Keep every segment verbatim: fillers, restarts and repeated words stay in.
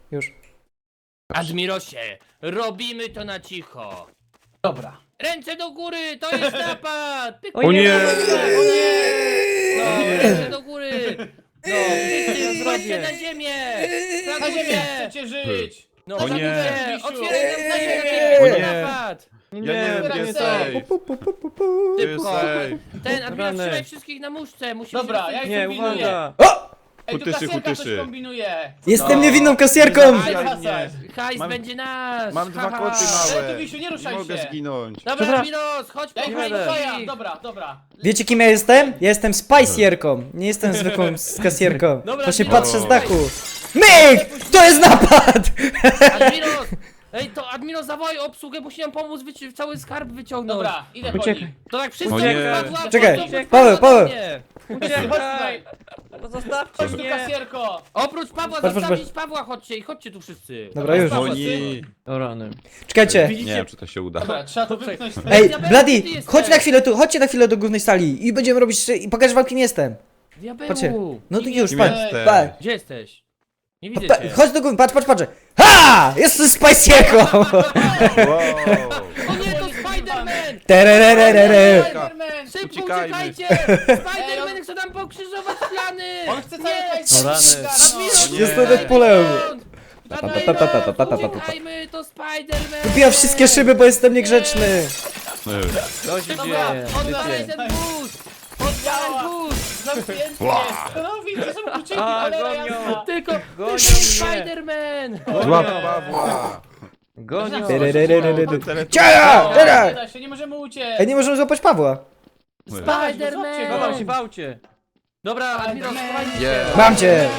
Już. Admirosie, robimy to na cicho. Dobra. Ręce do góry, to jest napad! Pyk, O nie! O nie! No, ręce do góry! No, wszyscy kładźcie na ziemię! Na Flaguję! ziemię chcecie żyć! No, O nie! flaguję! Misiu. Otwieraj nam Nie. ziemię! O O nie. napad! Nie, nie, nie, otwieraj nie safe. safe. Pu, pu, pu, pu, pu. Jest Szybko! safe. Ten, Admiros, Rany. trzymaj wszystkich na muszce! Musimy Dobra, się ja rozejść. Nie, kombinuję. uwaga! O! Ej, tu Hutyszy, kasjerka coś hutyszy. kombinuje! Jestem No. niewinną kasjerką! Nie Daj zabijaj kasać. mnie. Hajs Mam- będzie nasz! Mam dwa haha. koty Ale małe. tu, Misiu, nie ruszaj Nie mogę się. zginąć. Dobra, Dobra. Admiros, chodź Ja po ich jadę. faja. Dobra, dobra. Wiecie kim ja jestem? Ja jestem spajsjerką. Nie jestem zwykłą s- kasjerką. Dobra, Właśnie Admiros. patrzę z dachu. Myk! To jest napad! Admiros! Ej, to Admiros, zawołaj obsługę, musi nam pomóc wyci- cały skarb wyciągnąć. Dobra, idę po Uciekaj. nich. To tak wszyscy O nie. jak spadła, Czekaj, to spadła Paweł, ode Paweł. mnie. Chodź tutaj. No zostawcie Chodź tu, mnie! kasjerko. Oprócz Pawła, Patrz, patrz, zostawić Pawła, chodźcie i chodźcie tu wszyscy. Dobra, już. Paweł, Oni... No O rany. Czekajcie. Nie wiem, czy to się uda. Dobra, trzeba to wypchnąć. Ej, Diabeł, Bloody, ty jesteś. chodź na chwilę tu, chodźcie na chwilę do głównej sali i będziemy robić, szy- i pokażę wam kim jestem. Diabeł! Patrzcie. No to Kim już, Kim patrz. jesteś? patrz. Gdzie jesteś? Nie widzę Pa- cię. Chodź do góry, patrz, patrz, patrz. Ha! Jestem spajsjerką! Wow. O nie, to Spider-Man! Tererererere. Spiderman! Szybko Uciekajmy. uciekajcie! Spider-Man chce nam pokrzyżować plany! On chce cały Nie! hajs O rany. Admiros, Nie. Jestem uciekaj Deadpoolem. stąd! Pa, pa, pa, pa, pa, pa, pa, pa, pa. Uciekajmy, to Spider-Man! Wbijam wszystkie szyby, bo jestem niegrzeczny. No już. Co się Dobra, dzieje? Odpalaj Tycie. ten wóz! Odpalaj wóz! Zamknięty Wow. jest! No widzę, są kluczyki, A, ale gonią. jasna! Tylko Gonią mnie. Spider-Man! Złap Pawła. Gonią. Tererererere. Tele- Ciara! Nie Ciara! da się, nie możemy uciec! Ej, nie możemy złapać Pawła. Spider-Man! Chowam się w aucie. Dobra, Admiros, Spider-Man. schowajcie Nie. się! Mam cię!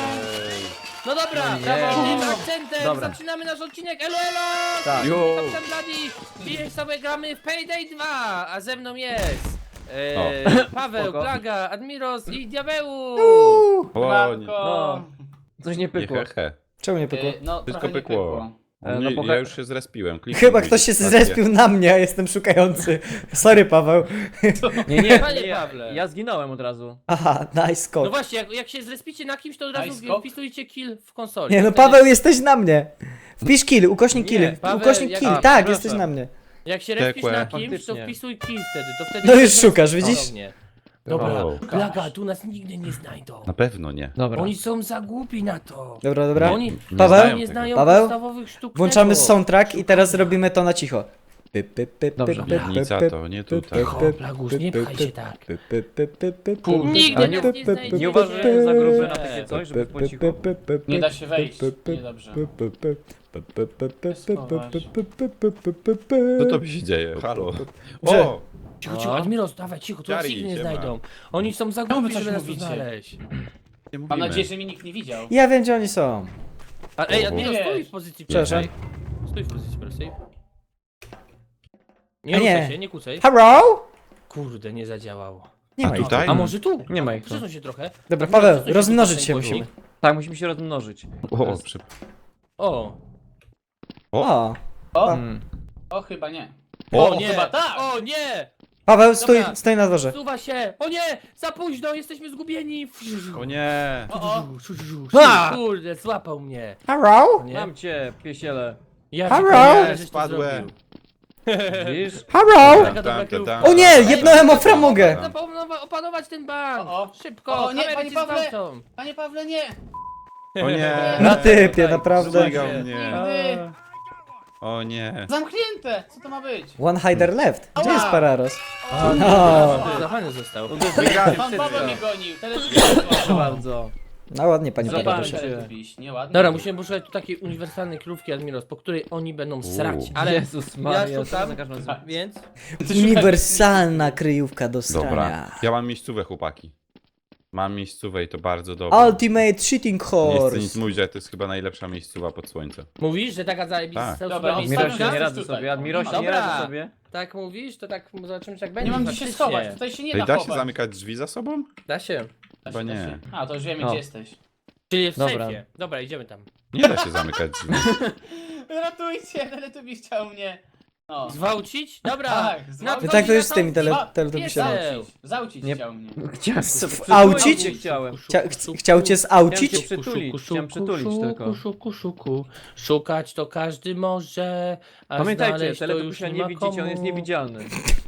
No dobra, nie. brawo, tym akcentem Dobra. zaczynamy nasz odcinek, elo elo! Tak. Jo. Jo. Kapitan Bloody, dzisiaj sobie gramy w Payday dwa, a ze mną jest e, O. Paweł, Spoko. Plaga, Admiros i Diabeł! Uuu. O, nie. Matko! Coś nie Nie pykło. hehe. Czemu nie pykło? Y, No, Wszystko trochę nie pykło. E, Nie, no, ja już się zrespiłem. Kliknij Chyba guzik, ktoś się stację. zrespił na mnie, a jestem szukający. Sorry, Paweł. Nie, nie, Panie nie, Pawle. ja zginąłem od razu. Aha, nice No skok. właśnie, jak, jak się zrespicie na kimś, to od razu Nice skok. wpisujcie kill w konsoli. Nie no, Wtedy- Paweł, jesteś na mnie. Wpisz kill, ukośnik Nie, kill, Paweł, ukośnik jak- kill, a, tak, przepraszam. jesteś na mnie. Jak się respisz Tekłe. na kimś, to Faktycznie. wpisuj kill wtedy, to wtedy... No już szukasz, widzisz? Ponownie. Dobra, O. Plaga, tu nas nigdy nie znajdą. Na pewno nie. Dobra. Oni są za głupi na to. Dobra, dobra. Oni Paweł? nie znają Paweł? podstawowych sztuk Włączamy tego. soundtrack i teraz robimy to na cicho. Py, py, py, Dobrze. py, py, Piwnica py, to nie py, tutaj. py, Cicho, py, Plaguś, py, nie py, pchaj py, się tak. py, py, py, py, py, py, Nigdy py, nas py, nie py, znajdziecie. py, Nie uważaj, że jest za gruby na py, takie py, coś, żeby py, po py, cichu. py, py, py, Nie py, da się wejść, py, py, niedobrze. py, py, py, py, py, py, py, Schować. py, py, py, py, py, py, py. Co to się dzieje? Halo. Że- O! Cicho, cicho, Admiros, dawaj, cicho, tu nas Jari, nigdy nie siema. znajdą. Oni są za Czemu głupi, coś żeby nas tu mówicie? znaleźć. Nie Mam mówimy. nadzieję, że mnie nikt nie widział. Ja wiem, gdzie oni są. A, ej, O. Admiros, Nie. stój w pozycji Przepraszam. pierwszej. Stój w pozycji pierwszej. A Nie nie. ruszaj się, nie kucaj. Hello? Kurde, nie zadziałało. Nie A ma ich. tutaj? A może tu? Nie ma ich tu. Przesuń się trochę. Dobra, Admiros, Paweł, przesuń rozmnożyć tu się ten musimy. głośnik. Tak, musimy się rozmnożyć. O, przy... O, O, O, Mm. o chyba nie. o, O, nie, chyba tak. o nie! Paweł, stój, Dobra. stój na dworze. Suwa się! O nie! Za późno, jesteśmy zgubieni! O nie! O, o. A! Kurde, złapał mnie. Hello? Nie? Mam cię, piesiele. Ja Halo? wiem, żeś to Spadłem. zrobił. Widzisz? Hello? Taka dobra Tam, kryjówka. tam, tam. O nie, jebnąłem o framugę. Zapomnę opanować ten bank! O, o. Szybko, O, nie, kamery panie cię Pawle. zwalczą. Panie Pawle, nie! O nie! Na typie, Tutaj, naprawdę. Zmygał mnie. Nigdy! O nie! Zamknięte! Co to ma być? One hider left. Gdzie jest Pararos? A, No. Zachany został. Wygrali Pan Paweł wszystko. mnie gonił, Proszę telewizor. bardzo. No ładnie, panie Zobacz. Pararosie. Nieładnie. Dobra, musimy poszukać tu takiej uniwersalnej krówki Admiros, po której oni będą srać, ale Jezus Maria, ja co szukam, za każdym razem. więc... Uniwersalna kryjówka do Dobra. strania. Ja mam miejscówę, chłopaki. Mam miejscówę i to bardzo dobrze. Ultimate Cheating Nie chcę nic Horse. mówić, ale to jest chyba najlepsza miejscowa pod słońcem. Mówisz, że taka zajebista Tak. Dobra, super Admirosie, Admirosie, nie Jesteś radzę tutaj. sobie, Admirosie, nie Dobra. radzę sobie. Tak mówisz, to tak zobaczymy, czy tak będzie. Nie mam gdzie się faktycznie. schować, tutaj się nie Ej, da da się chować. zamykać drzwi za sobą? Da się. Da Chyba się, da nie. się. A, to już wiemy O. gdzie jesteś. Czyli w Dobra. sejfie. Dobra, idziemy tam. Nie da się zamykać drzwi. Ratujcie, ale tu mi chciał mnie. No. Zwałcić? Dobra. Tak, na zwałcić. No tak to jest z tymi tele, Zwa- teletubisiami. Piesek. Zaucić, zaucić Nie- chciał mnie. Chciałem Aucić? Nie chciałem. Chcia, ch chciał cię zaucić? Chciałem cię przytulić, chciałem przytulić tylko. Szuku, szuku. Szukać to każdy może, a Pamiętajcie, znaleźć to już teletubisia nie nie ma widzicie, on komu. jest niewidzialny.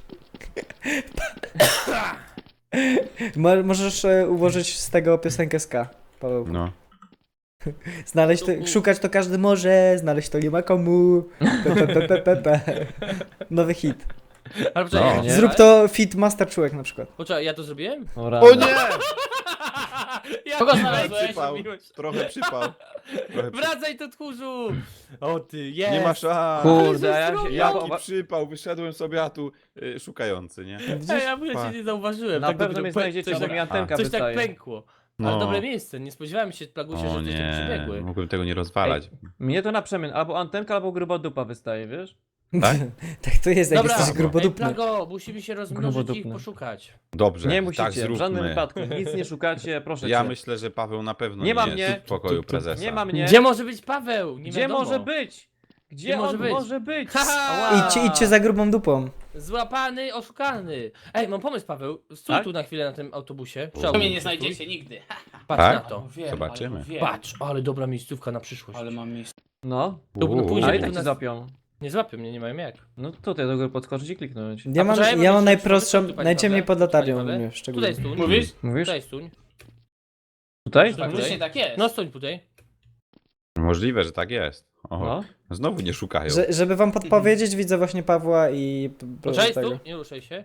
Mo możesz e, ułożyć z tego piosenkę ska, Paweł. No. Znaleźć to, szukać to każdy może, znaleźć to nie ma komu. Pe, pe, pe, pe, pe, pe. Nowy hit. Ale poczekaj, No. nie? Zrób to fit Master Czułek na przykład. Poczekaj, ja to zrobiłem? O nie! Ja Kogo to znalazłeś? Przypał. zrobiłeś. Trochę przypał. Trochę przypał. Wracaj tu tchórzu! O ty, jest! Nie ma szans. Kurde, a ja się... Ja, Jaki przypał, wyszedłem sobie, a tu y, szukający, nie? Ej, ja bym cię nie zauważyłem. na tak pewno dopiero mnie pe- znajdziecie, coś bo tak- mi antenka Coś tak wystaje. pękło. Ale No. dobre miejsce, nie spodziewałem się, Plagusie, O że coś tak nie, przybiegły. mógłbym tego nie rozwalać. Mnie to na przemian, albo antenka, albo gruba dupa wystaje, wiesz? Tak? Tak to jest, jak Dobra, jesteś ej, grubodupny. Plago, musimy się rozmnożyć i ich Grubodupny. poszukać. Dobrze, Nie tak musicie, w żadnym zróbmy. wypadku. Nic nie szukacie, proszę Ja cię. myślę, że Paweł na pewno Nie nie, ma jest mnie. w pokoju prezesa. Nie ma mnie. Gdzie może być Paweł? Nie Gdzie wiadomo. może być? Gdzie, Gdzie może on być? może być? Haha! Ała. Idźcie, idźcie za grubą dupą. Złapany, oszukany. Ej, mam pomysł, Paweł. Stój Tak? tu na chwilę na tym autobusie. To mnie nie znajdziecie nigdy. Patrz Tak? na to. Wiem, Zobaczymy. ale wiem. Patrz, ale dobra miejscówka na przyszłość. Ale mam miejsce. No, Tu- Uuu. później a i tu tak cię nas- zapią. Nie złapią mnie, nie mają jak. No tutaj do góry podskoczyć i kliknąć. Ja mam, poczekaj, bo ja mam jeszcze najprostszą, pomysł, tu, najciemniej Paweł. pod latarnią Paweł. u mnie Tutaj szczególnie. stój. Mówisz? Mówisz? Tutaj stój. Tutaj? Tak. Faktycznie tak jest. No stój tutaj. Możliwe, że tak jest. O, No. Znowu nie szukają. Że, żeby wam podpowiedzieć, widzę właśnie Pawła i... p- p- Poczekaj, tego. stój, nie ruszaj się.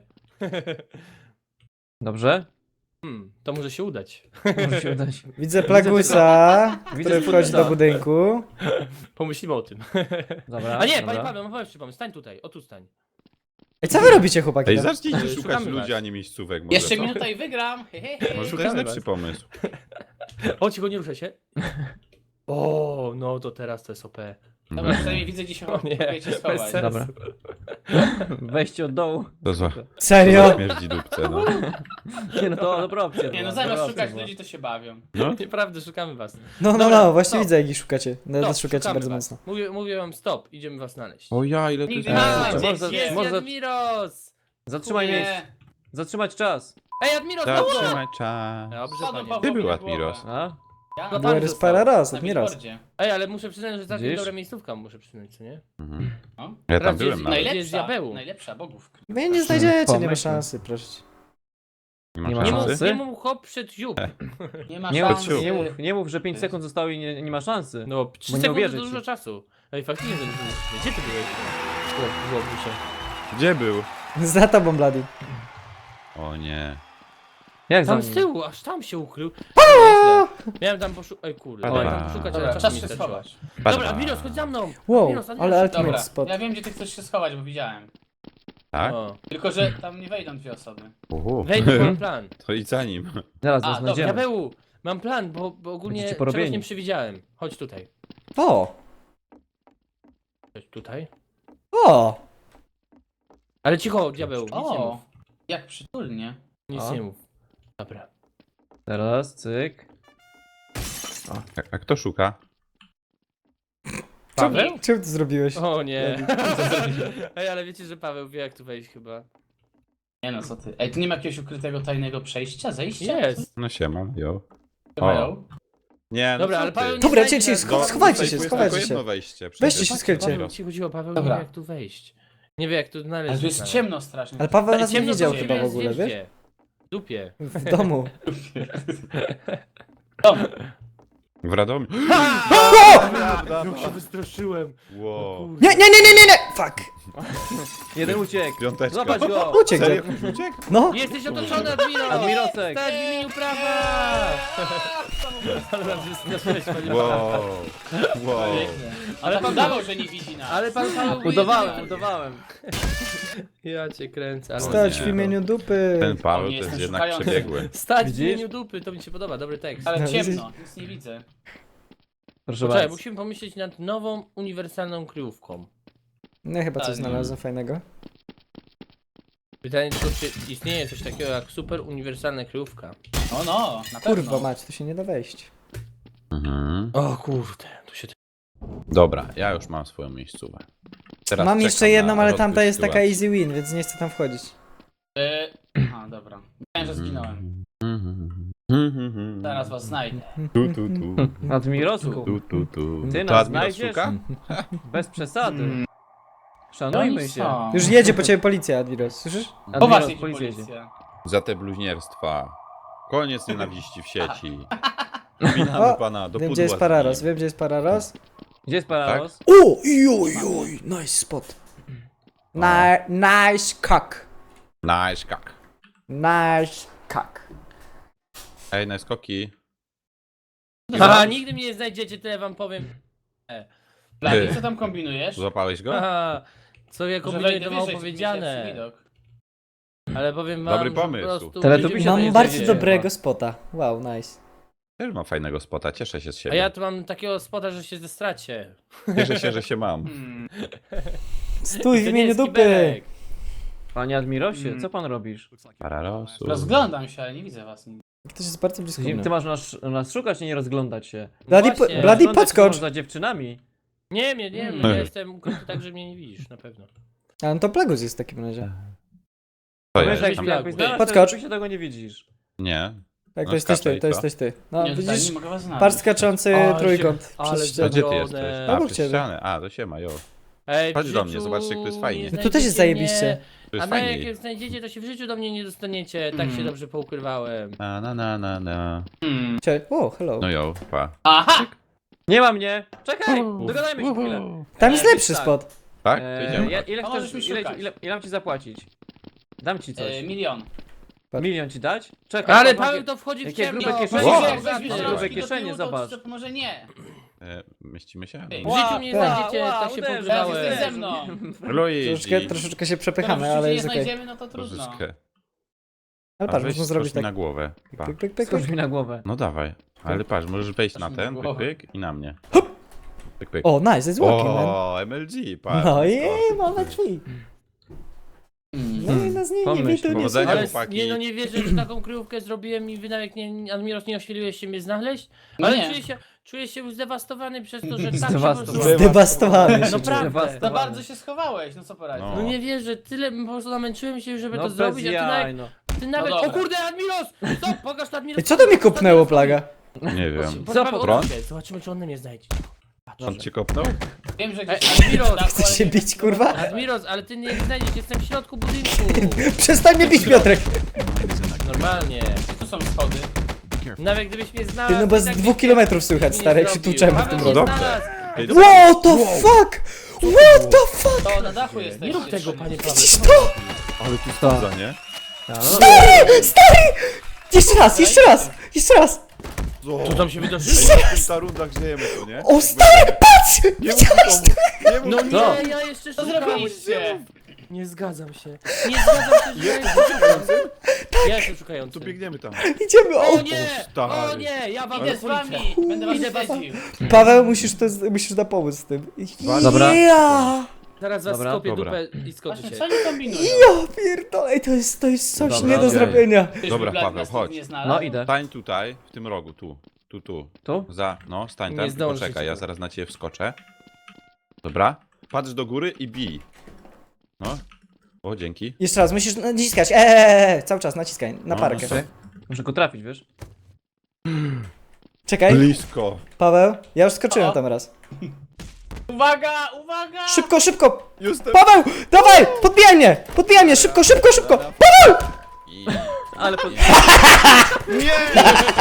Dobrze? Hmm, to może się udać. Może się udać. Widzę Plagusa, Widzę który wchodzi do Plagusa. budynku. Pomyślimy o tym. Dobra, A nie, dobra. panie Paweł, mam pomysł, pomysł. Stań tutaj, o tu stań. Ej, co wy robicie, chłopaki? Ej, tam? zacznijcie Ale szukać szukamy ludzi, was. a nie miejscówek. Może, Jeszcze co? minuta i wygram. He, he, he. Może to jest Szukamy lepszy was. pomysł. O, cicho, nie ruszaj się. O, no to teraz to jest O P. Dobra, przynajmniej widzę, gdzie się O nie, próbujecie bez schować. sensu. Dobra. Wejście od dołu. To zła. Serio? Śmierdzi dupce, no. Nie no to dobra opcja. Nie była, no, dobra zamiast opcja szukać była. ludzi, to się bawią. no. Nieprawda, szukamy was. No, no, Dobra, no, właśnie stop. widzę, jak ich szukacie. Nawet Stop, szukacie szukamy bardzo was. mocno. Mówię, mówię wam stop, idziemy was znaleźć. O ja, ile to jest... Nigdy nie A, znajdziecie. może- jest może- Admiros! Zatrzymaj Nie. miejsce. Zatrzymać czas. Ej, Admiros, no Zatrzymaj czas. Dobrze, Spadł panie. Pawłowi Ty był na głowę. Admiros. A? Ja No na pan Byłem został. parę raz, na admiros. billboardzie. Ej, ale muszę przyznać, że całkiem Widzisz? dobra miejscówka, muszę przyznać, co nie? Mhm. No. Ja tam Teraz byłem jest nawet. Gdzie jest Najlepsza, diabeł? najlepsza bogów. Wy nie znajdziecie, nie ma Pomyśl. szansy, proszę. Nie ma Nie ma Nie mów, szansy? szansy? nie mów hop przed ziół. Nie ma Nie szans. mów, nie, mów, nie mów, że pięć sekund zostało i nie, nie ma szansy. No, trzy nie sekundy uwierzę to ci. dużo czasu. Ej, faktycznie, że gdzie ty byłeś? O, byłoby się. Gdzie był? Za tobą, Bloody. O nie. Jak za Tam nim? z tyłu, aż tam się ukrył. Nieźle. Miałem tam poszukać. Ej, kurde, Dobra. miałem tam poszukać, ale Dobra, czasu czas mi się starczyło. schować. Dobra, Badba. Admiros, chodź za mną. Wow, Admiros, Admiros. ale ultimate Dobra, spot. ja wiem, gdzie ty chcesz się schować, bo widziałem. Tak? O, Tylko, że tam nie wejdą dwie osoby. Uhu. wejdź, bo mam plan. To idź za nim. Zaraz A, go dobra, znajdziemy. Diabeł, mam plan, bo, bo ogólnie Będziecie czegoś porobieni. nie przewidziałem. Chodź tutaj. O! Chodź tutaj. O! Ale cicho, diabeł, nic nie O, mów. jak przytulnie. Nic O. nie mów. Dobra. Teraz, cyk. A, a kto szuka? Paweł? Czemu, czemu to zrobiłeś? O nie. Ej, ale wiecie, że Paweł wie jak tu wejść chyba. Nie no, co ty. Ej, tu nie ma jakiegoś ukrytego tajnego przejścia, zejścia? Jest. No siema, jo. Mają? Nie, no Dobra, co ale ty? Paweł nie Dobra, znajdzie cię, nas. cię, No, schowajcie tutaj się, tu jest schowajcie tylko się. jedno wejście. Weźcie przecież. się, skryjcie. Paweł, cicho, cicho, Paweł nie Dobra. wie jak tu wejść. Nie wie jak tu znaleźć. Ale tu jest znaleźć. ciemno strasznie. Ale Paweł Ale nas nie ciemno widział to chyba w jest ogóle, wiesz? gdzie? W dupie. W domu. Dom. W Radomiu. Jak się wystraszyłem. Wow. Nie, nie, nie, nie, nie, nie! Fuck! Jeden uciekł. Piąteczka. Zobacz go. Uciekł. Serio? Uciekł? No! Jesteś otoczony, Admiro! Admirosek. Stać w imieniu prawa! Ale nas wystraszyłeś, panie Paweł. Wow. Wow. Pięknie. Ale Ale pan- pan udawał, że nie widzi nas. Ale pan Paweł był Udawałem, jedyny- udawałem. Ja cię kręcę. Ale Stać nie. w imieniu dupy! Ten Paweł O, to nie jest jestem jednak szukający. przebiegły. Stać w Widzisz? imieniu dupy, to mi się podoba, dobry tekst. Ale No, ciemno, nic nie widzę. Proszę Poczekaj, bardzo. musimy pomyśleć nad nową, uniwersalną kryjówką. No chyba coś Tak. znalazłem fajnego. Pytanie tylko, czy istnieje coś takiego jak super uniwersalna kryjówka? No, no, na pewno. Kurwa mać, tu się nie da wejść. Mhm. O kurde, tu się... Dobra, ja już mam swoją miejscówę. Teraz Mam czekam jeszcze na jedną, ale rozwój tamta jest taka sytuacji. easy win, więc nie chcę tam wchodzić. E, Aha, dobra. Myślałem, że zginąłem. Zaraz was znajdę. Tu, tu, tu. Admirosku, Tu, tu, tu. Ty To nas Admiros znajdziesz? szuka? bez przesady. Mm. Szanujmy Oni się. są. Już jedzie po ciebie policja, Admiros, słyszysz? Poważnie Admiros, ci policja jedzie. policja. Za te bluźnierstwa. Koniec nienawiści w sieci. Winamy O, pana do Wiem, pudła gdzie jest z Pararos, nim. wiem, gdzie jest Pararos. Gdzie jest Pararos? O, joj, joj, nice spot. Ni- nice cock. Nice kak. Nice cock. Ej, na skoki. Haha, nigdy mnie nie znajdziecie, tyle wam powiem. Blady, co tam kombinujesz? Złapałeś go? Haha, co ja Że kombinuję, wejdę to mało wyżej, żeby mieć lepszy powiedziane. widok. Ale powiem wam, Dobry że pomysł. po prostu... Teletubbie ludzie się mnie Mam jest bardzo znajdziecie. dobrego spota. Wow, nice. Też mam fajnego spota, cieszę się z A siebie. ja tu mam takiego spota, że się zestracie. Cieszę się, że się mam. Hmm. Stój w To nie imieniu jest dupy. kibelek. Panie Admirosie, Mm. co pan robisz? Pararosu. Rozglądam się, ale nie widzę was nigdy. Ktoś jest bardzo blisko Ty mnie. masz nas, nas szukać, a nie rozglądać się. Bloody, Właśnie. po, Bloody Rozglądać się podskocz. masz za dziewczynami. Nie, nie, nie, Mm. ja jestem ukryty tak, że mnie nie widzisz, na pewno. A no to Plagus jest w takim razie. To Wiesz, jest jak tam... Plagu. jakbyś znalazł, Podskocz. to się tego nie widzisz. Nie. Tak, No to jesteś ty, skaczaj, to co? jesteś ty. No nie, tutaj widzisz? nie mogę was znaleźć. Par skaczący Ale trójkąt. się- przez ale ścianę. A gdzie ty Drone. jesteś? Obok A, przez ciebie. ścianę. A, to siema, jo. Ej, w Chodź do mnie, życiu zobaczcie, jak to jest fajnie. nie No tu też jest znajdziecie zajebiście. To mnie, jest A na jak fajniej. jak znajdziecie, to się w życiu do mnie nie dostaniecie. Tak się Mm. dobrze poukrywałem. Na, na, na, na, na. Hmm. Cie- O, hello. No jo, pa. Aha! Nie ma mnie! Czekaj! Dogadajmy się chwilę. Tam jest E, lepszy tak. spot. Tak? To Eee, idziemy. ja, ile A chcesz, możesz mi ile, szukać. ile, ile mam ci zapłacić? Dam ci coś. E, milion. Milion ci dać? Czekaj. Ale pan- Paweł to wchodzi w Jakie ciemno. grube kieszenie. Paweł, Wow. Jak weźmiesz ty. Grube rączki do kieszenie, tyłu, to, zobacz. to może nie. E, mieścimy się? W Ła, życiu mnie nie ła, znajdziecie, ła, tak się uderzę, Teraz pogrzebałem. jesteś ze mną. Luigi. Troszeczkę, troszeczkę się przepychamy, Skoro w ale życiu jest nie okej. znajdziemy, no to trudno. Troszeczkę. Ale A patrz, weź można zrobić skocz mi tak. na głowę. Pa. Pyk, pyk, pyk, Skocz pyk. mi na głowę. No dawaj. Ale patrz, możesz wejść na Skocz mi ten, na pyk, głowę. pyk i na mnie. Pyk, pyk. O, nice, jest walking, man. O, M L G, patrz. No skocz. i mamy drzwi. No Hmm. i nas nie, nie, Pomyśl, mi tu nie powodzenia. słucha. Ale chłopaki. nie, no nie wierzę, że taką kryjówkę zrobiłem i wy nawet nie, Admiros, nie ośmieliłeś się mnie znaleźć. No Ale nie. czuję się, czuję się zdewastowany przez to, że tak się po Zdewastowany. prostu... Zdewastowany się No czuję. prawda. Za bardzo się schowałeś, no co poradzić. No. No nie wierzę, tyle po prostu namęczyłem się, żeby No to bez zrobić, a ty jaj, nawet... no. Ty nawet... No o dobra. kurde, Admiros! Stop, pokaż to Admiros! Ej, co to mi kopnęło, plaga? Nie wiem. Co po prąd? Zobaczymy, czy on mnie znajdzie. On cię kopnął? Wiem, że Ej, gdzieś Admiros, na dachu, Chcesz ale się nie bić, wiem, kurwa? Admiros, ale ty nie znajdziesz, jestem w środku budynku. Przestań mnie bić, Piotrek! Normalnie. Tu są schody. Nawet gdybyś mnie znalazł... Ty, no bo i z tak dwóch byś kilometrów słychać, nie stary, jak się zrobił. tłuczemy w Paweł tym mnie rogu. Dobrze. znalazł. Ej, What the fuck? What the fuck? To na dachu jesteś. Nie rób tego, panie Paweł. Widzisz to? Ale tu sprawdza, nie? Stary! Stary! Jeszcze raz, jeszcze raz! Jeszcze raz! Co tam się wydarzyło? Ej, w ta rundach żyjemy tu, nie? O, stary, patrz! Nie mów nikomu! Nie mów No nikomu! nie, ja jeszcze Co szukam. zrobiliście? Nie zgadzam się. Nie zgadzam się, że ja jestem szukający. Ja jestem szukający. Tu biegniemy tam. Idziemy, o! O nie! stary. O nie! Ja wam Idę z wami. Będę was Idę was- śledził. Paweł, musisz, to, musisz na pomóc z tym. Dobra. Ja! Zaraz was Dobra, skopię dobra. dupę i Właśnie, skoczycie. co oni kombinują? Ja pierdolę, ej, to jest, to jest coś Dobra, nie do okej. zrobienia. Ktoś Dobra, by Blady Paweł, nas chodź. nie znalazł? No idę. Stań tutaj, w tym rogu, tu. Tu, tu. Tu? Za, no, stań Nie tam i zdążysz poczekaj, ja tego. zaraz na ciebie wskoczę. Dobra? Patrz do góry i bij. No. O, dzięki. Jeszcze raz, musisz naciskać, eee, cały czas naciskaj, na No, parkę. no, Muszę go trafić, wiesz? Czekaj, Blisko. Paweł, ja już skoczyłem O. tam raz. Uwaga, uwaga! Szybko, szybko! Jestem. Paweł, dawaj, podbijaj mnie, podbijaj mnie, szybko, szybko, szybko! I... Ale po... Nie!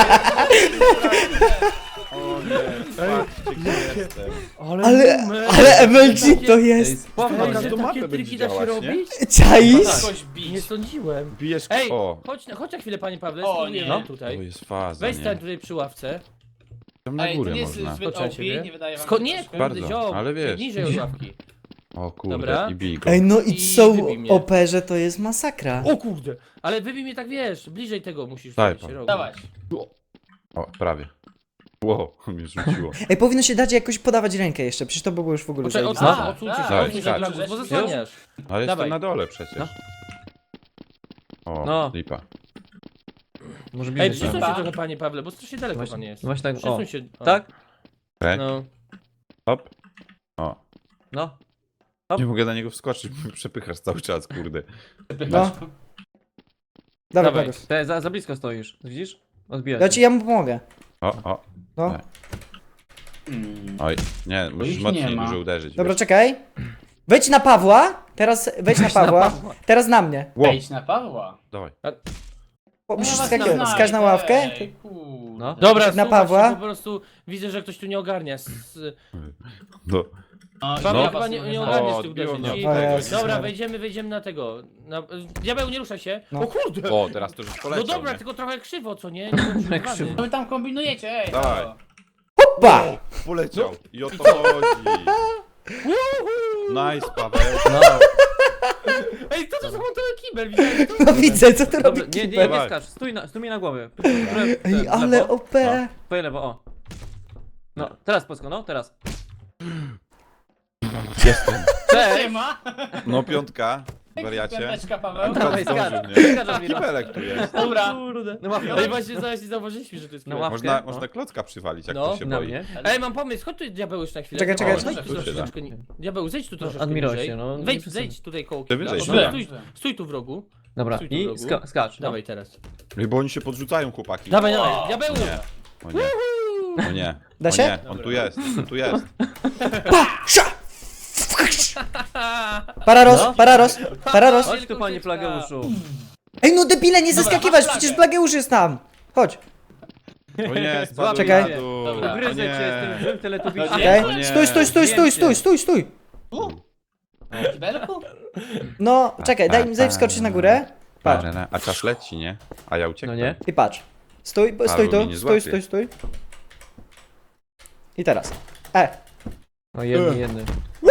O nie, patrzcie gdzie jestem. Ale, ale M L G to jest, Spokojnie. Pokaż to mapę Takie będzie triki da się działać, nie? robić? czaisz? Kogoś Nie bić. sądziłem. Bijesz... Ej, O, chodź, na- chodź na chwilę, panie Pawle, O, spróbujemy nie. to tutaj. jest faza, Weź nie? stań tutaj przy ławce. Tam na Ej, to górę nie jest można. zbyt Skoczę O P, ciebie. nie wydaje wam Sko się nie, troszkę? Bardzo, kurde, ziom, ale wiesz. niżej od ławki. O kurde, Dobra. i bij go. Ej, no i I co wybij mnie. o perze to jest masakra. O kurde, ale wybij mnie tak, wiesz, bliżej tego musisz Daj, stać się pan. rogu. Dawaj. O, prawie. Wow, mnie rzuciło. Ej, powinno się dać jakoś podawać rękę jeszcze, przecież to by było już w ogóle Poczekaj, zajebiste. odsuń, A, odsuńcie tak, się, tak, odsuń się tak. od lagus, bo zasłaniasz. Ale Dawaj. jestem na dole przecież. No. O, No. lipa. Może Ej, bliżej. przesuń się. się Chyba. trochę, panie Pawle, bo strasznie daleko pan Właśnie, jest. właśnie tak, o. Przesuń się. O. Tak? Tak? No. Hop. O. No. Nie mogę na niego wskoczyć, bo mnie przepychasz cały czas, kurde. No. Dawaj, Dawaj, Plagus. te, za, za blisko stoisz, widzisz? Odbijać. Ja ci, ja mu pomogę. O, o. No. Nie. Hmm. Oj, nie, musisz ich mocniej nie ma. dużo uderzyć. Dobra, wiesz. czekaj. Wejdź na Pawła. Teraz wejdź na Pawła. Teraz na mnie. Ło, Wejdź na Pawła. dawaj. O, No musisz ja was skakiwać. znajdę, Skacz na ławkę. ej, kurde. No. Dobra, Na słuchaj, Pawła. Po prostu widzę, że ktoś tu nie ogarnia. S- No. No, Paweł, ja chyba was nie, nie znam. ogarniesz O, tych odbiło uderzeń. mnie I- od tego, nie? Dobra, Sorry. wejdziemy, wejdziemy na tego. Na... Diabeł, nie ruszaj się. No. O kurde! O, teraz to już No poleciał, dobra, nie? tylko trochę krzywo, co nie? Nie bądź Jak żywany. krzywo. Co wy tam kombinujecie, ej? Dawaj. halo. Hopa! Poleciał. I o to chodzi. Nice, Paweł. No, Ej, co to za montowy kibel? Widziałeś to? No widzę, co tu robi dobra, nie, nie, nie Dawaj. skacz, stój na, stój mi na głowie. Ej, ale O P. Twoje lewo, o. No, teraz Polsko, no, teraz. Jestem. Cześć! Siema. No piątka, wariacie. Piąteczka, Paweł. Dawaj, Zdążył skacz. mnie. Skacz, Admiro. Kibelek tu jest. Dobra. Kurde. No łapkę. Ej, właśnie zaraz nie zauważyliśmy, że to jest No kibel. łapkę. Można, no. można klocka przywalić, jak No. ktoś się Na boi. mnie. Ej, mam pomysł, chodź tu diabeł już na chwilę. Czekaj, czekaj, O, czekaj. Zejdź tu Tu się troszeczkę. ni- Diabeł, zejdź tu troszeczkę Admirosie, niżej. no, nie Wejdź, przesadzaj. zejdź tutaj koło Ty kibla. wyżej, O, dobra. Stój, stój tu w rogu. Dobra, Stój tu w i rogu. ska skacz, no. Dawaj teraz. Ej, bo oni się podrzucają, chłopaki. Dawaj, dawaj, O, diabeł! Nie. O nie. O nie. Da O się? nie, on tu jest, on tu jest. Sza! Pararos, No. pararos, pararos. Chodź tu, panie Plageuszu. Ej, no debile, nie Dobra, zeskakiwać, masz przecież flagę. Blageusz jest tam. Chodź. O nie, spadł Czekaj. na dół. Dobra. O Ugryzę cię z nie. tym złym teletubisie. Okej? O nie. Stój, stój, stój, stój, stój, stój, stój. Tu? W kibelku? No, czekaj, daj mi, daj wskoczyć na górę. Patrz. A czas leci, nie? A ja No uciekłem. nie? I patrz. Stój, stój Paweł mnie tu, nie stój, złapie. stój, stój. I teraz. E. No jedny, jedny.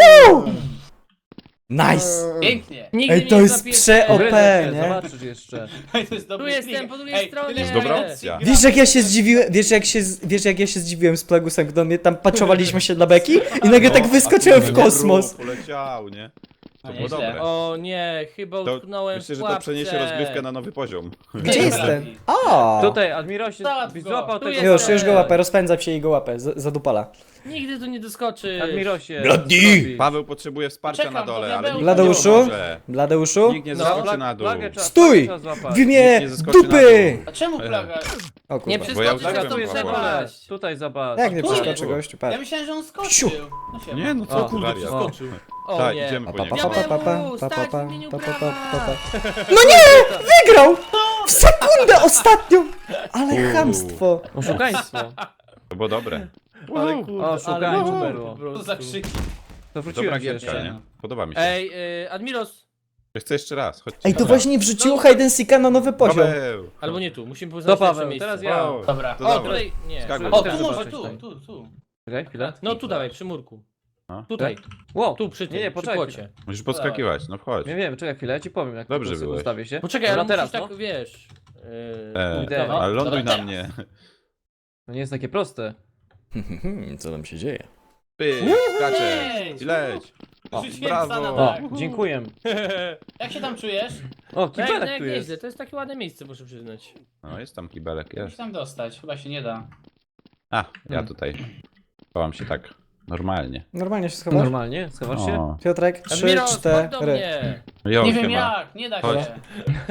Nice. Pięknie. Nigdy Ej, mnie to nie jest złapiecie. prze- O P, Ugryzę cię, nie? zobaczysz jeszcze. Ej, to jest dobry Tu jestem, trik. po drugiej Ej, stronie. tyle, Jest że dobra gramy, opcja. gramy. Wiesz jak ja się zdziwiłem, wiesz jak się, z- wiesz jak ja się zdziwiłem z Plagusem, gdy mnie tam paczowaliśmy się dla beki i nagle tak No, wyskoczyłem a w tu kosmos. poleciał, nie? No To było nieźle. dobre. O nie, chyba To utknąłem myślę, w że to przeniesie pułapce. rozgrywkę na nowy poziom. Gdzie jest ten? O! Tutaj, Admirosie, Załatw byś go. złapał Tu tego... jest. Już, już go łapę, rozpędzam się i go łapę, z- zadupala. Nigdy tu nie doskoczy. Admirosie, Bladni! co robisz? Paweł potrzebuje wsparcia Czekam, na dole, to ale diabeł. nikt Bladeuszu? nie pomoże. Bladeuszu? Nikt nie No. zeskoczy na dół. Plagę trzeba- Stój! plagę trzeba złapać. W imię Nikt nie zeskoczy na dupy! A czemu plaga? O Nie kurwa. Bo ja przeskoczysz, uciekłem, na to Tu jest Paweł. na dole, przepaść. tutaj zobacz. Jak nie Tu przeskoczy jest. gościu, Ja patrz. myślałem, że on Siu. skoczył. No siema. Nie, no O, co ty kurde, wariat. przeskoczył. O Tak, nie. idziemy Pa, po pa, niego. pa, pa, pa, pa, Diabeł, pa, pa, stać pa, w imieniu pa, pa, pa, pa, prawa. pa. No nie! Wygrał! W sekundę ostatnią! Ale Uuu. chamstwo. Oszukaństwo. To było dobre. Ale kurde, O, szukaj, ale co super, było. po prostu. Co za krzyki. To Dobra wróciłem się gierka, jeszcze. nie? Podoba mi się. Ej, y, Admiros, Chcę jeszcze raz, chodźcie. Ej, to Dobra. właśnie wrzuciło hide and seeka na nowy poziom. Paweł. albo nie tu, musimy To poznać lepsze Paweł, miejsce. teraz ja. O, Dobra. To O, dawaj. tutaj, nie. Skakuj. O, Teraz tu może, zobaczyć tu, tutaj. tu, tu. Czekaj, chwilę. No tu dawaj, przy murku. A? Tutaj, Wow. tu przy tym, Nie, nie, przy poczekaj płocie. Musisz podskakiwać, no wchodź. Nie wiem, czekaj chwilę, ja ci powiem jak Dobrze po prostu byłeś. ustawię się. Poczekaj, Dobra, ale teraz, teraz, tak, no. wiesz... Yy, E, Idę. no, ale ląduj dobra, na mnie. To nie jest takie proste. Co tam się dzieje? Pyk, skaczesz. Leć. I leć. O, Rzuciłem brawo. psa na O, dach. dziękuję. Jak się tam czujesz? O, No, jak, no, kibelek jak tu nieźle, jest. to jest takie ładne miejsce, muszę przyznać. No jest tam kibelek, Jak się jest. tam dostać? Chyba się nie da. A, ja Hmm. tutaj. Chowam się tak normalnie. Normalnie się schowasz? Normalnie? Schowasz się? O, Piotrek, trzy, Admiros, chodź do cztery. mnie! jo, Nie wiem siema. jak, nie da Chodź. się.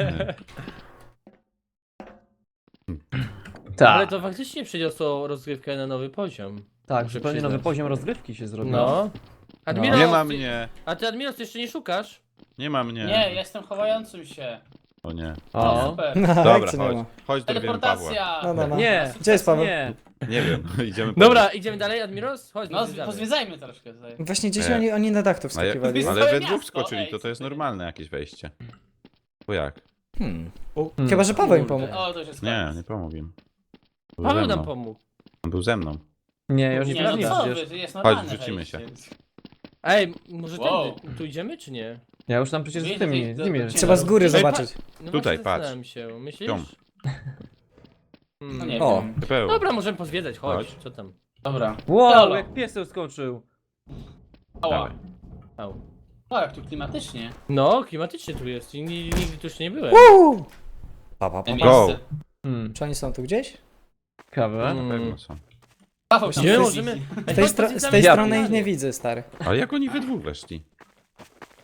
Ale to faktycznie przyniosło rozgrywkę na nowy poziom. Tak, muszę zupełnie przyznać. nowy poziom rozgrywki się zrobił. No. Admiros, Nie ma ty- mnie, A ty Admiros jeszcze nie szukasz? nie ma mnie. Nie, jestem chowającym się. O nie. No O. super. No, Dobra, jak cię nie chodź. ma? Chodź, dorwiemy Pawła. Teleportacja. No, no, no. Nie, Gdzie jest Paweł? nie. Nie wiem, idziemy po Dobra, idziemy dalej, Admiros? Chodź, No, pozwiedzamy. pozwiedzajmy troszkę tutaj. Właśnie gdzieś E. oni, oni na dach to Ale, wskakiwali. ale Całe we dwóch miasto, skoczyli, ej, to to jest super. normalne jakieś wejście. Bo jak? Hmm. Hmm. Chyba, że Paweł im Kurde. pomógł. O, to już jest Nie, koniec. nie pomógł im. Był Paweł ze nam mną. pomógł. On był ze mną. Nie, ja już nie Nie, no prawdziwy co przecież. wy, to jest normalne wrzucimy wejście. Ej, może Wow. tędy, tu idziemy czy nie? Ja już tam przecież z Wyjdź, tymi, wyjdź z do- nimi. do- Trzeba z góry Ej, zobaczyć. No Tutaj, właśnie patrz. zastanawiam się, myślisz? Ciąg. Hmm. No nie O. wiem. Pepeł. Dobra, możemy pozwiedzać, chodź, Chodź. co tam? Dobra. Wow, Halo. jak piesek skoczył. Ała. Dawaj. Au. O, jak tu klimatycznie. No, klimatycznie tu jest i ni- nigdy tu jeszcze nie byłem. Uuu! Pa, pa, pa, Te pa. Go. miejsce. Hmm, Czy oni są tu gdzieś? kawę. Mm. Na pewno są. Paweł się Nie, nie możemy... możemy... Z tej, stro z tej Ja strony ich pierdolę. nie widzę, stary. Ale jak oni we dwóch weszli?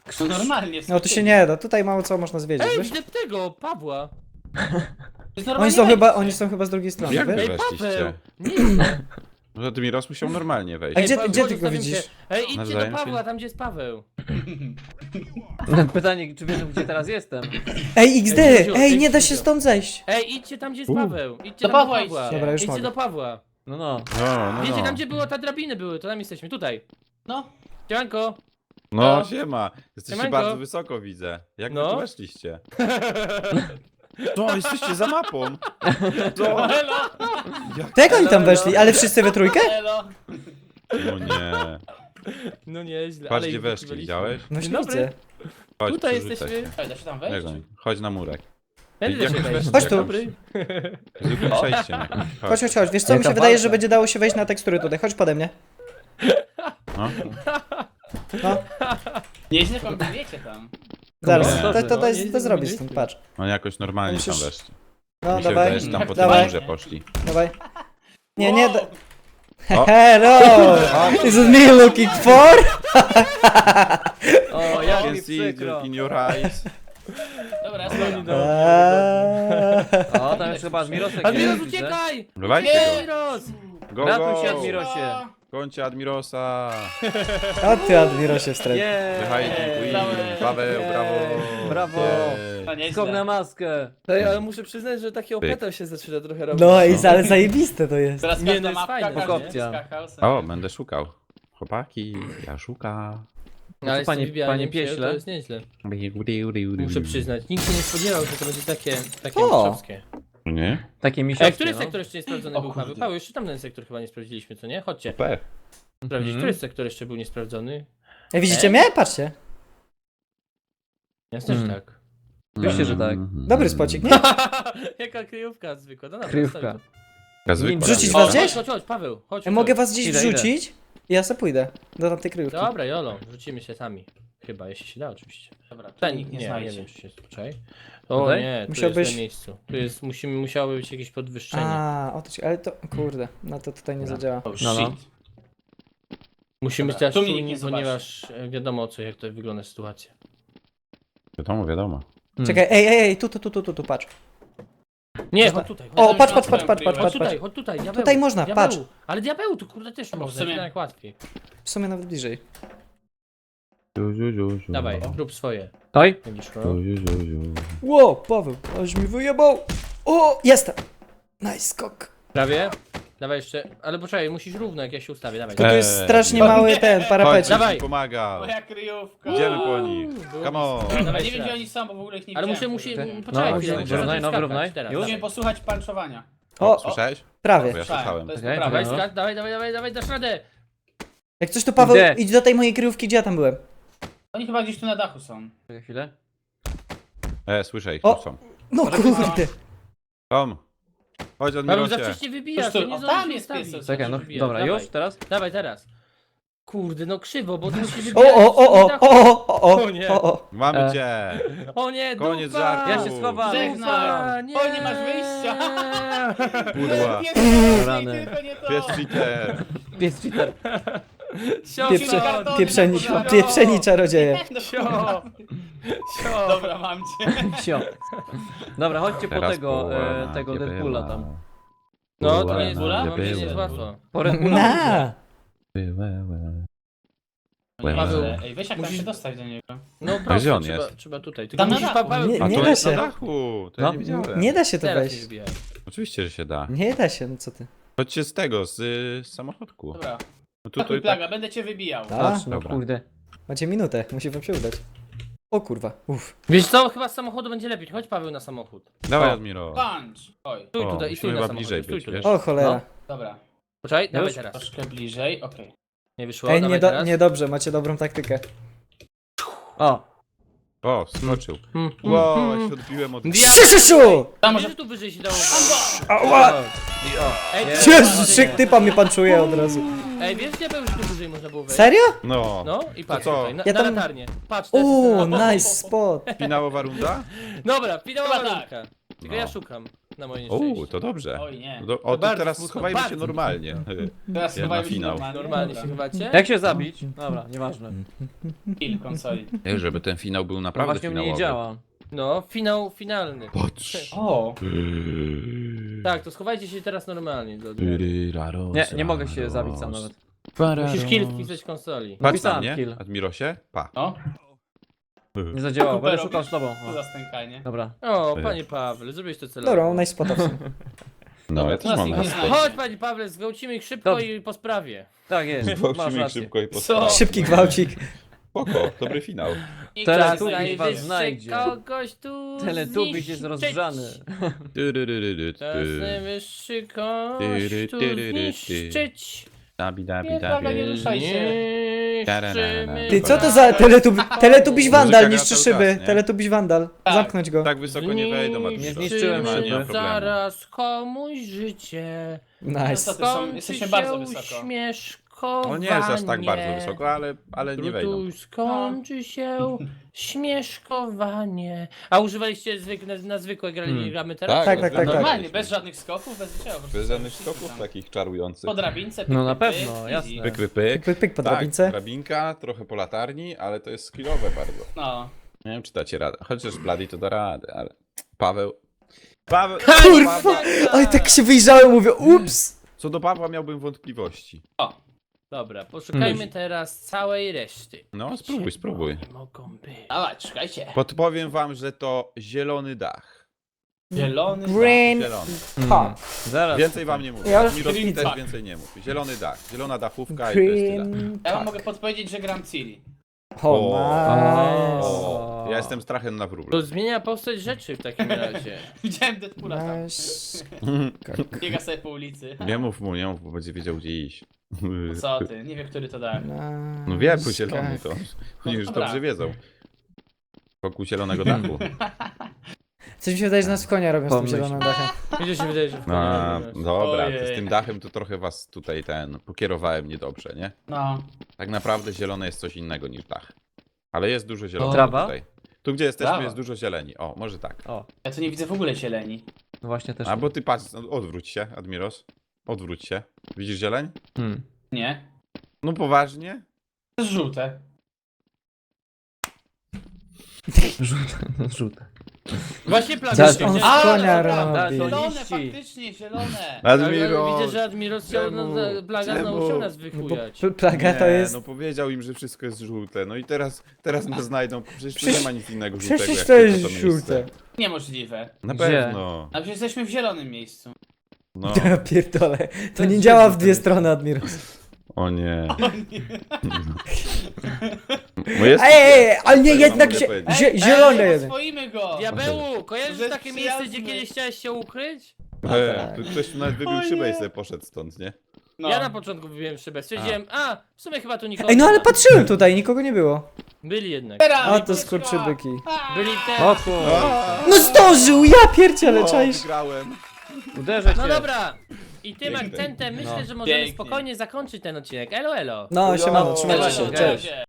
No normalnie. No tu się nie da, tutaj mało co można zwiedzić, Ej, wiesz? widzę tego, Pawła. To jest Oni normalnie są chyba, wejście. oni są chyba z drugiej strony, Jak wiesz? wy Ej, weszliście? Paweł. Nie, No to Admiros musiał normalnie wejść. A gdzie, Paweł, gdzie chodź, ty go zostawimy widzisz? się. Ej, idźcie Nawzajem do się- Pawła, tam gdzie jest Paweł. Pytanie, czy wiedzą, gdzie teraz jestem? Ej, X D! Ej, Krzysiu, Ej, ej, nie da się Krzysiu. stąd zejść! Ej, idźcie tam gdzie jest U. Paweł. Idźcie Do tam Pawła do Pawła. idźcie. Dobra, już Idźcie mogę. do Pawła. No no. No, no, Wiecie no. tam gdzie było, ta drabiny były, to tam jesteśmy, tutaj. No, Siemanko. No, siema. Jesteście Siemanko. bardzo wysoko, widzę. Jak wy No. tu weszliście? To, jesteście za mapą. To... elo, To jak oni tam weszli? Ale wszyscy we trójkę? elo. No nie. No nieźle, Patrz ale gdzie ich weszli, wykiwaliśmy. widziałeś? No Dzień się dobry. widzę. Chodź, Tutaj przerzucaj jesteśmy. Ej, da się tam się. wejść? Jak on? Chodź na murek. Będę Jak się wejść? wejść. Chodź tu. Dobry. Zróbmy przejście. nie? Chodź, chodź, chodź. Wiesz co, mi Jaka się wydaje, walka. że będzie dało się wejść na tekstury tutaj. Chodź pode mnie. No. No, Nieźle kombinujecie tam. zaraz. No, To, dobrze, to, no, to, jest, nieźle to zrobić kombinujecie. stąd, patrz. No jakoś normalnie tam Musisz- weszli. No, Mi się dawaj, wydaje, że tam po tym dawaj, murze poszli. dawaj. Nie, nie da... O. Hello! Is it me looking for? O, I jak can mi see it przykro. in your eyes. Dobra, ja No, spadam. no. Eee. O, tam już chyba Admirosek Admiros, jest, widzę. uciekaj! Dawajcie go. Admiros! Go, Ratuj go. się, Admirosie. Końcie Admirosa. O ty, Admirosie wstręt. Jej. Wychajnie, Brawo. Paweł, brawo. Brawo. Jej. To nieźle. Skok na maskę. Ej, ale muszę przyznać, że taki Pyk. opletal się zaczyna trochę robić. No i ale zajebiste to jest. Teraz Nie, każda no jest mapka, fajne. każdy Opcja. skakał sobie. O, będę szukał. Chłopaki, ja szukam. No, ale Co, panie- z tym wybijaniem panie się, pieśle? To jest nieźle. Muszę przyznać. Nikt się nie spodziewał, że to będzie takie, takie O. mistrzowskie. Nie? Takie Ej, misiowskie, który no. sektor jeszcze nie sprawdzony O był, kurde. Paweł? Paweł, jeszcze tamten sektor chyba nie sprawdziliśmy, co nie? Chodźcie, P. sprawdzić, Mhm. który sektor jeszcze był niesprawdzony? Ej, widzicie mnie? Patrzcie. Jasne, że Mm. tak. Oczywiście, że tak. Dobry spocik, nie? Jaka kryjówka zwykła, no dobra, Kryjówka. zostawię Ja zwykła Nim wrzucić to. was O, gdzieś? chodź, chodź, chodź, Paweł, chodź. Ja mogę chodź. was gdzieś Idę, idę. wrzucić i ja se pójdę do tamtej kryjówki. Dobra, Jolo, rzucimy się sami. Chyba, jeśli się da oczywiście. Dobra, tu Ten, nikt nie, nie nie, znajdzie. wiem, czy się spoczaj. O Tutaj? nie, tu Musiałbyś- jest na miejscu. Tu jest, musimy, musiało być jakieś podwyższenie. A, o to ci, ale to, kurde, no to tutaj nie Dobra. zadziała. Oh, No, no. shit. Musimy Dobra, stać tu mnie nikt czujni, nie zobaczy. ponieważ e, wiadomo o co, jak to wygląda sytuacja. Wiadomo, wiadomo. Hmm. Czekaj, ej, ej, ej, tu, tu, tu, tu, tu, tu, patrz. Nie, Można- chodź tutaj, chodź, O, już patrz, mam patrz, patrz, swoją patrz, patrz, chodź patrz, tutaj, patrz. chodź tutaj, diabeł. Tutaj można, diabeł. patrz. Ale diabeł, tu kurde też można, sumie- tak łatwiej. W sumie nawet bliżej. Ziu, ziu, ziu, ziu. Dawaj, rób swoje. Oj, Będziesz Ziu, szło. ziu, ziu, ziu. Ło, Paweł, aż mi wyjebał. O, jestem. Nice skok. Prawie? Dawaj jeszcze, ale poczekaj, musisz równo jak ja się ustawię, dawaj. To tu jest Eee, strasznie nie. mały ten Chodź, parapecik. Dawaj. ci pomaga. Moja kryjówka. Idziemy po nich. Było Come on. blisko. Ja Dawaj nie wiem jeszcze gdzie raz. oni są, bo w ogóle ich nie Ale muszę, widziałem. musi, No, poczekaj no, chwilę, wyrównaj, muszę zacząć no, skakać wyrównaj. teraz. Już? Dawaj. Musimy posłuchać panczowania. O, Słyszałeś? prawie. Ja słuchałem. To jest Okej, poprawne. Dawaj, no. skacz, dawaj, dawaj, dawaj, dawaj, dasz radę. Jak coś to Paweł, Gdzie? idź do tej mojej kryjówki, gdzie ja tam byłem. Oni chyba gdzieś tu na dachu są. czekaj chwilę. E, słyszę ich, O. tu są. No kurde. Tom. Chodź, Paweł, za Admirosie. wcześnie wybijasz, Już tu- to nie o, zdążysz tam jest ustawić. pies, Czekaj, no, Wybijasz, dobra, dawaj. już, teraz? Dawaj teraz. Kurde, no krzywo, bo ty musisz O, wybijać. o, o, o, o, o, o, O nie. o, o. Mamy E. cię. O nie, Koniec dupa! żartu. Ja się schowam. Żegnam. nie. O, nie masz wyjścia. Kurwa. Pies nie, Rany. tylko nie to. Pies cheater. Pies cheater. Sio, Pieprze, sio, pieprzeni, Sio. pieprzeni czarodzieje. sio, sio. Dobra, mam cię. Sio. Dobra, chodźcie po Teraz tego, połowa e, tego nie Deadpoola była. tam. No, to Była, nie jest Bula? mam nadzieję, że jest Była. łatwo. Po Red Bulla. Na. Była. Paweł, Ej, weź jak musisz- tam się dostać do niego. No gdzie prosto, on trzeba, jest? trzeba tutaj. Tylko Tam na musisz, dachu. Paweł, Nie, A nie to da jest się. na dachu. To ja No. nie widziałem. Nie da się to teraz nie wejść. wybijaj. Oczywiście, że się da. Nie da się, no co ty. Chodźcie z tego, z, y, z samochodku. Dobra. No Tutaj tutaj tak. plaga, będę cię wybijał. A, Patrz, no Dobra. kurde. macie minutę, musi wam się udać. O kurwa, uff. Wiesz co, chyba z samochodu będzie lepiej. Chodź Paweł na samochód. Dawaj, O. Admiro. Punch. Oj, Stój O, tutaj i stój musimy na chyba samochodzie. bliżej Stój być, tutaj. wiesz? O cholera. dobra. Poczekaj, dawaj Już? teraz. Troszkę bliżej, okej. Nie wyszło, Ej, dawaj nie do, teraz. niedobrze, macie dobrą taktykę. O, O, skoczył. Mm, Wow, mm, ja mm. się odbiłem od... Diabeł! Siu, siu, siu! Tam Wiesz, może... że tu wyżej się dało. Ała! Ej, Nie. ty- Jezus, szyk typa mnie panczuje od razu. Ej, wiesz, diabeł, że tu wyżej można było wejść? Serio? No. No i patrz co? tutaj, na, Ja na tam- latarnię. Patrz, teraz Uuu, jest na- nice spot. Finałowa runda? Dobra, finałowa Chyba tak. rundka. Tylko No. ja szukam. na moje nieszczęście. O, to dobrze. Oj nie. Do, o, to bardzo teraz smutno, schowajmy się bardzo normalnie. Teraz Jak chyba na już finał. normalnie. Normalnie Dobra. się chybacie? Jak się zabić? Dobra, nieważne. Kill konsoli. Ej, żeby ten finał był No naprawdę właśnie u mnie finałowy. nie działa. No, finał finalny. Patrz. O! Tak, to schowajcie się teraz normalnie. Do... Nie, nie mogę się zabić sam nawet. Musisz kill wpisać konsoli. Patrz na Wpisałem mnie, kill. Admirosie. Pa. No, Nie zadziałało, będę Kupero, szukał z tobą. co O, za stękanie. dobra. O, panie Pawle, zrobiłeś to celowo. Dobra, nice spota w sumie. No, ja też teraz mam ich na nie stole. znajdzie. Chodź, panie Pawle, zgwałcimy ich szybko Dobrze. i po sprawie. Tak jest, masz Gwałcimy ich rację. szybko i Co? postawię. Szybki gwałcik. Spoko, dobry finał. I Teraz czas tu najwyższy. was znajdzie. kogoś tu Teletubiś jest zniszczyć. rozgrzany. Czas najwyższy kogoś Tyry, tu tyry, ty. zniszczyć. Dabi, dabi, Nie, Paweł, nie dabi. ruszaj się. Niszczymy Ty, co to za teletubi... Teletubiś Wandal, Muzyka niszczy gra cały szyby. czas, nie? Teletubiś Wandal. Tak. Zamknąć go. Tak wysoko nie wejdą, Admiros. Nie zniszczyłem Nie ma- nie ma szyby. problemu. Zaraz komuś życie. Nice. To są- Skończy jesteśmy się bardzo wysoko. śmieszkowanie. On nie jest aż tak bardzo wysoko, ale, ale nie wejdą. Tu skończy się śmieszkowanie. A używaliście zwyk na, na zwykłe grali, Hmm. gramy teraz? Tak, Tak, tak, tak, tak. Normalnie, bez żadnych skoków, bez niczego. po prostu Bez żadnych wszyscy skoków tam. takich czarujących. Po drabince, pyk, No na pyk, pewno, pyk, jasne. easy. Pyk, pyk, pyk. Pyk, pyk po Tak, drabince. drabinka, trochę po latarni, ale to jest skillowe bardzo. No. Nie wiem, czy dacie radę. Chociaż Bloody to da radę, ale... Paweł... Paweł... Kurwa! Oj, tak się wyjrzałem, mówię, ups! Co do Pawła miałbym wątpliwości. Dobra, poszukajmy Hmm. teraz całej reszty. No, spróbuj, spróbuj. Nie mogą być. Dawaj, szukajcie. Podpowiem wam, że to zielony dach. Zielony. Green Zielony. Hmm. Zaraz. Więcej wam nie mówię. Ja Ja już mi widzę. też więcej nie mów. Zielony dach, zielona dachówka i to jest tyle. Green... Ja wam tak. mogę podpowiedzieć, że gram Ciri. O, nice. O, ja jestem strachem na To wróble. zmienia postać rzeczy w takim razie. Widziałem Deadpoola tam. Nice. Biega sobie po ulicy. Nie mów mu, nie mów, bo będzie wiedział gdzie iść. Co ty? Nie wiem, który to dach. No wiem, bo zielony to. Oni już Dobra. dobrze wiedzą. Wokół zielonego dachu. Coś mi się wydaje, że nas w konia robią z tym Pomyśl. zielonym dachem. Mi się wydaje, że w A, końcu. dobra, to Ojej. z tym dachem to trochę was tutaj ten pokierowałem niedobrze, nie? No. Tak naprawdę zielone jest coś innego niż dach. Ale jest dużo zielonego Trawa? tutaj. Tu gdzie jesteśmy Trawa. jest dużo zieleni. O, może tak. O, Ja tu nie widzę w ogóle zieleni. no właśnie też. A bo ty patrz, no, odwróć się, Admiros. Odwróć się. Widzisz zieleń? Hmm. Nie. No poważnie? To jest żółte. Żółte, żółte. Właśnie plaga. Zaraz się on chciałem- z konia dobra, robi. Zielone, liści. faktycznie, zielone. Admiros! Widzę, że Admiros chciał Czemu? na, plaga znowu Czemu? chciał nas No bo wychujać. pl- plaga to Nie, jest... no powiedział im, że wszystko jest żółte. No i teraz, teraz nas znajdą. Przecież tu Przecież- nie ma nic innego żółtego. Przecież jak to tylko jest miejsce. żółte. Niemożliwe. Na Gdzie? pewno. A przecież jesteśmy w zielonym miejscu. No. Ja pierdolę. To nie jest działa w żółte. dwie strony, Admiros. O nie. Bo jest... Ej, ej, ale nie, Co ja jednak mogę zie powiedzieć? zie Ej, zielone ej, jeden. oswoimy go! Diabełu, kojarzysz Że takie przyjazny. miejsce, gdzie kiedyś chciałeś się ukryć? E, tu ktoś tu nawet wybił O szybę i nie. sobie poszedł stąd, nie? No. Ja na początku wybiłem szybę, stwierdziłem, a, w sumie chyba tu nikogo Ej, no nie ale ma. patrzyłem tutaj, nikogo nie było. Byli jednak. Teraz, A to ucieczka! skurczybyki. Byli te... O kurwa. No zdążył, ja pierdzielę, O, czaisz. wygrałem. Uderzę cię. No dobra. I tym Pięknie. akcentem myślę, No. że możemy Pięknie. spokojnie zakończyć ten odcinek. Elo, elo. No, siemano, trzymajcie Elo, się, elo, cześć. cześć.